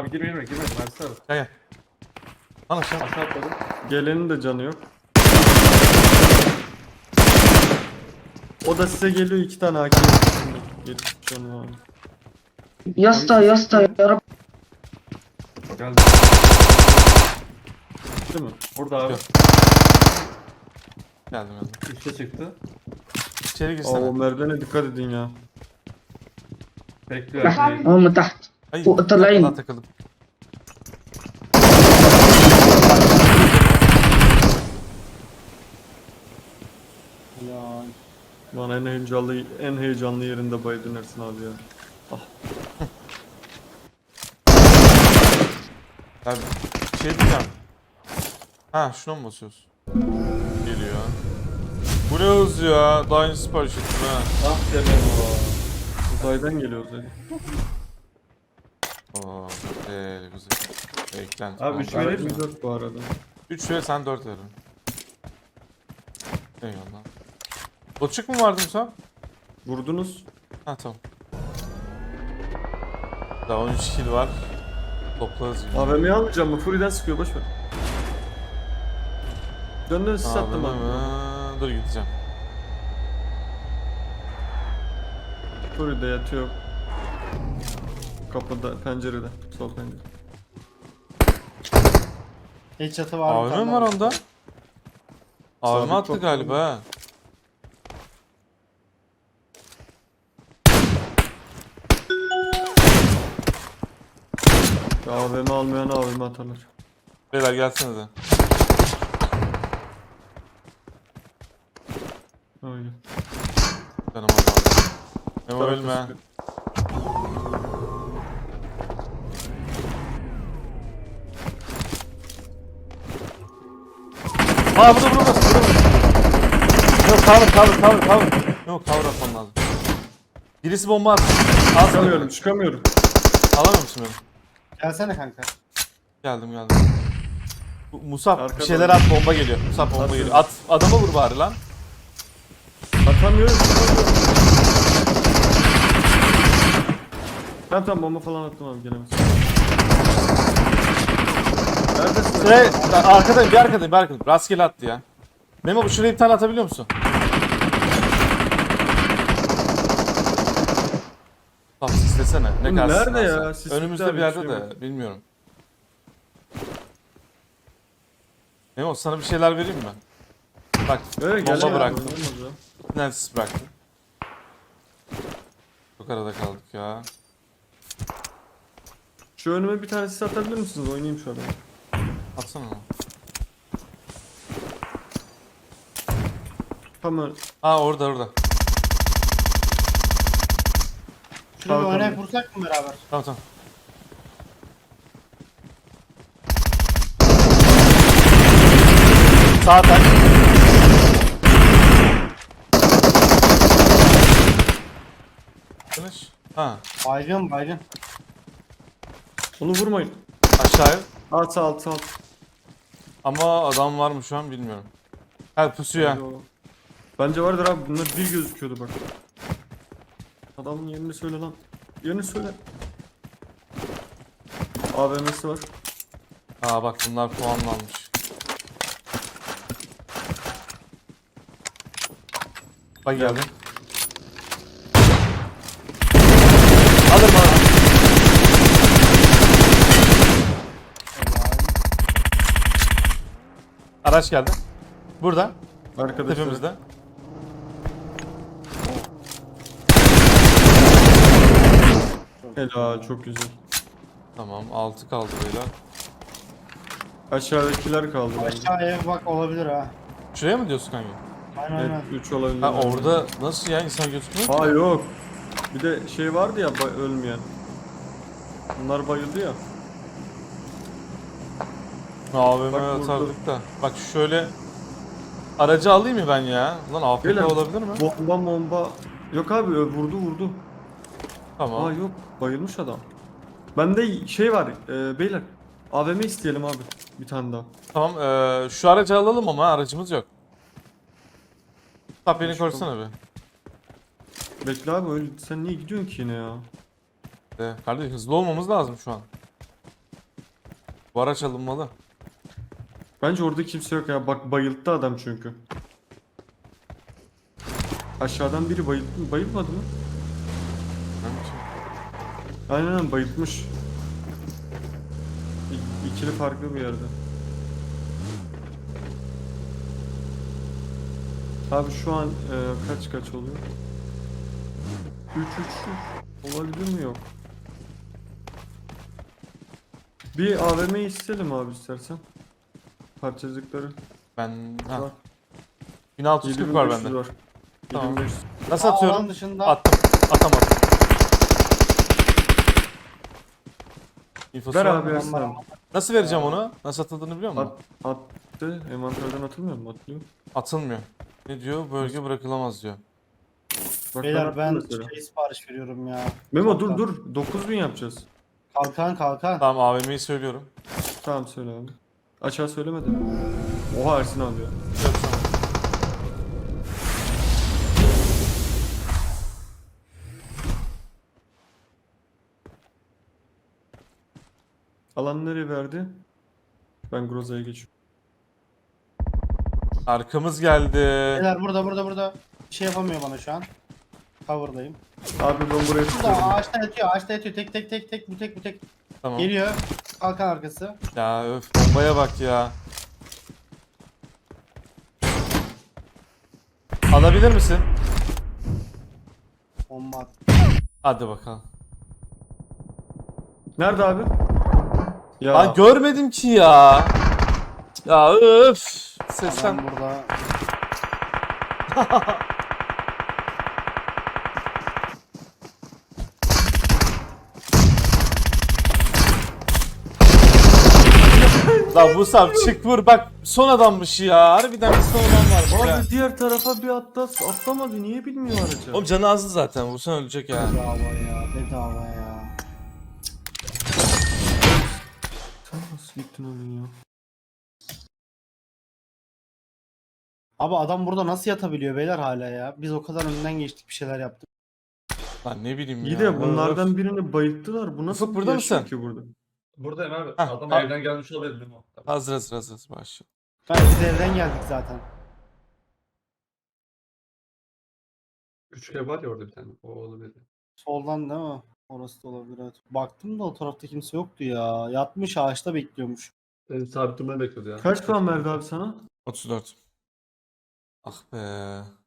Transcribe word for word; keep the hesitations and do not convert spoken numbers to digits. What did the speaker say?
Abi girme girme Mersi abi. Gel gel. Lan aşağı. Aşağı atladım. Gelenin de canı yok. O da size geliyor iki tane A K. Yetmiş canı var. Yasta yasta yarab. Geldi. Değil mi? Orada abi. Yok. Geldim geldim. Üste çıktı. İçeri Aa, girsene. o merdivene dikkat edin ya. Bekliyor. تحت abi. هم تحت Hayır. فوق طالعين. Daha takıldım. Ya. Bana en heyecanlı en heyecanlı yerinde baydın Ersin abi ya. Abi şey diyeceğim. Ha şuna mı basıyoruz? Geliyor. Bu ne hız ya? Daha yeni sipariş ettim ha. Ah be o. Uzaydan geliyor uzay. Oo, güzel güzel. Eklenti. Abi üç verir mi? dört bu arada. üç ver sen dört verin. Eyvallah. Boçuk mu vardı Musa? Vurdunuz. Ha tamam. Daha on üç kill var. Toplarız yine. A V M'yi almayacağım mı? Fury'den sıkıyor boş ver. Döndün siz sattım Ağlama abi. mı? Dur gideceğim. Fury'de yatıyor. Kapıda, pencerede. Sol pencere. Headshot'ı var. bir A V tane M var daha. onda. A V M Sabit attı çok galiba ha. Ya A V M almayan A V M atarlar. Beyler gelsenize. Öyle. Canım azaldı. Memo Tarafta ölme. sıkıyor. Aa burada burada burada. Yok cover cover cover cover. Yok cover atmam lazım. Birisi bomba attı. Al Çıkamıyorum, çıkamıyorum. Alamıyor musun beni? Gelsene kanka. Geldim geldim. Bu- Musab bir Arkadan- şeyler at bomba geliyor. Musab bomba Atıyorum. geliyor. At adama vur bari lan. Atamıyorum, çıkamıyorum. Tamam tamam bomba falan attım abi gelemez. Neredesin? Şuraya arkadayım bir arkadayım bir arkadayım. Rastgele attı ya. Memo bu şuraya bir tane atabiliyor musun? Tamam sislesene. Ne Oğlum kadar nerede sislersen. ya? Sis Önümüzde bitti bir abi, yerde bir şey de bilmiyorum. Memo sana bir şeyler vereyim mi? Bak Evet, bomba gel ya. bıraktım. Olmaz ya. Bir tane sis bıraktım. Çok arada kaldık ya. Şu önüme bir tane sis atabilir misiniz? Oynayayım şu adamı. Atsana onu. Tamam. Aa orada orada. Şuraya bir Tamam, oynayıp tamam. vursak mı beraber? Tamam tamam. Sağ tak. Finish. Ha Baygın baygın. Onu vurmayın. aşağıya. Alt alt alt. Ama adam var mı şu an bilmiyorum. Ha pusuyor. Bence o- Bence vardır abi. Bunlar bir gözüküyordu bak. Adamın yerini söyle lan. Yerini söyle. A V M'si var. Aa bak bunlar puanlanmış. Bak geldi. Alırım alırım. Araç geldi. Burada. Arkadaşlar. Tepemizde. Helal çok güzel. Tamam altı kaldı beyler. Aşağıdakiler kaldı. Aşağı ev bak olabilir ha. Şuraya mı diyorsun kanka? Aynen Evet aynen. üç olabilir. Ha orada nasıl ya insan gözükmüyor ki? Ha yok. Bir de şey vardı ya ba- ölmeyen. Bunlar bayıldı ya. A V M Bak vurdu. atardık da. Bak şöyle aracı alayım mı ben ya? Lan A F K Beyler, olabilir mi? Bomba bomba. Yok abi ö- vurdu vurdu. Tamam. Aa yok bayılmış adam. Bende şey var e, beyler. A V M isteyelim abi. Bir tane daha. Tamam eee, şu aracı alalım ama aracımız yok. Tap beni Başka- korusana be. Bekle abi öyle sen niye gidiyorsun ki yine ya? De, kardeşim hızlı olmamız lazım şu an. Bu araç alınmalı. Bence orada kimse yok ya. Bak bayılttı adam çünkü. Aşağıdan biri bayılttı mı? Bayılmadı mı? Bence. Aynen aynen bayıltmış. İ- İkili farklı bir yerde. Abi şu an e, kaç kaç oluyor? üç üç olabilir mi yok? Bir A V M istedim abi istersen. Parçacıkları. Ben... Ha. Var. bin altı yüz kırk var yedi bin beş yüz bende. var. Tamam. yedi bin beş yüz. Nasıl Aa, atıyorum? alan dışında. Attım. Atamadım. İnfosu Ver var abi mı? Ersin abi. Nasıl vereceğim onu? Nasıl atıldığını biliyor musun? At, attı. Envanterden atılmıyor mu? Atlıyor. Atılmıyor. Ne diyor? Bölge bırakılamaz diyor. Bak Beyler attım ben mesela. şey sipariş veriyorum ya. Memo dur Kalkan. dur. dokuz bin yapacağız. Kalkan kalkan. Tamam A V M'yi söylüyorum. Tamam söyle abi. Aşağı söylemedi. Oha Ersin abi ya. Yok, tamam. Alan nereye verdi? Ben Groza'ya geçiyorum. Arkamız geldi. Beyler burada burada burada. Bir şey yapamıyor bana şu an. Cover'dayım. Abi ben buraya Burada tutuyorum. ağaçta yatıyor ağaçta yatıyor. Tek tek tek tek bu tek bu tek. Tamam. Geliyor. Kalkan arkası. Ya öf bombaya bak ya. Alabilir misin? Bomba at. Hadi bakalım. Nerede abi? Ya Aa görmedim ki ya. Ya öf. Sesten. Adam burada. La bu sap çık vur bak son adammış ya. Harbiden bir son adam varmış ya. abi diğer tarafa bir atlas atlamadı. Niye bilmiyor aracı? Oğlum canı azdı zaten vursan ölecek ya. Bedava ya. Bedava ya. Sen nasıl gittin öyle ya? Abi adam burada nasıl yatabiliyor beyler hala ya? Biz o kadar önünden geçtik bir şeyler yaptık. Lan ne bileyim İyi ya. de bunlardan birini bayılttılar. Bu nasıl Ufuk, burada yaşıyor mısın? ki burada? Buradayım abi. Hah, Adam ha- evden gelmiş olabilir mi? Hazır hazır hazır hazır başla. Ben biz evden geldik zaten. Küçük ev var ya orada bir tane. O olabilir. Soldan değil mi? Orası da olabilir evet. Baktım da o tarafta kimse yoktu ya. Yatmış ağaçta bekliyormuş. Beni sabit durmayı bekliyordu ya. Kaç puan verdi abi sana? otuz dört. Ah be.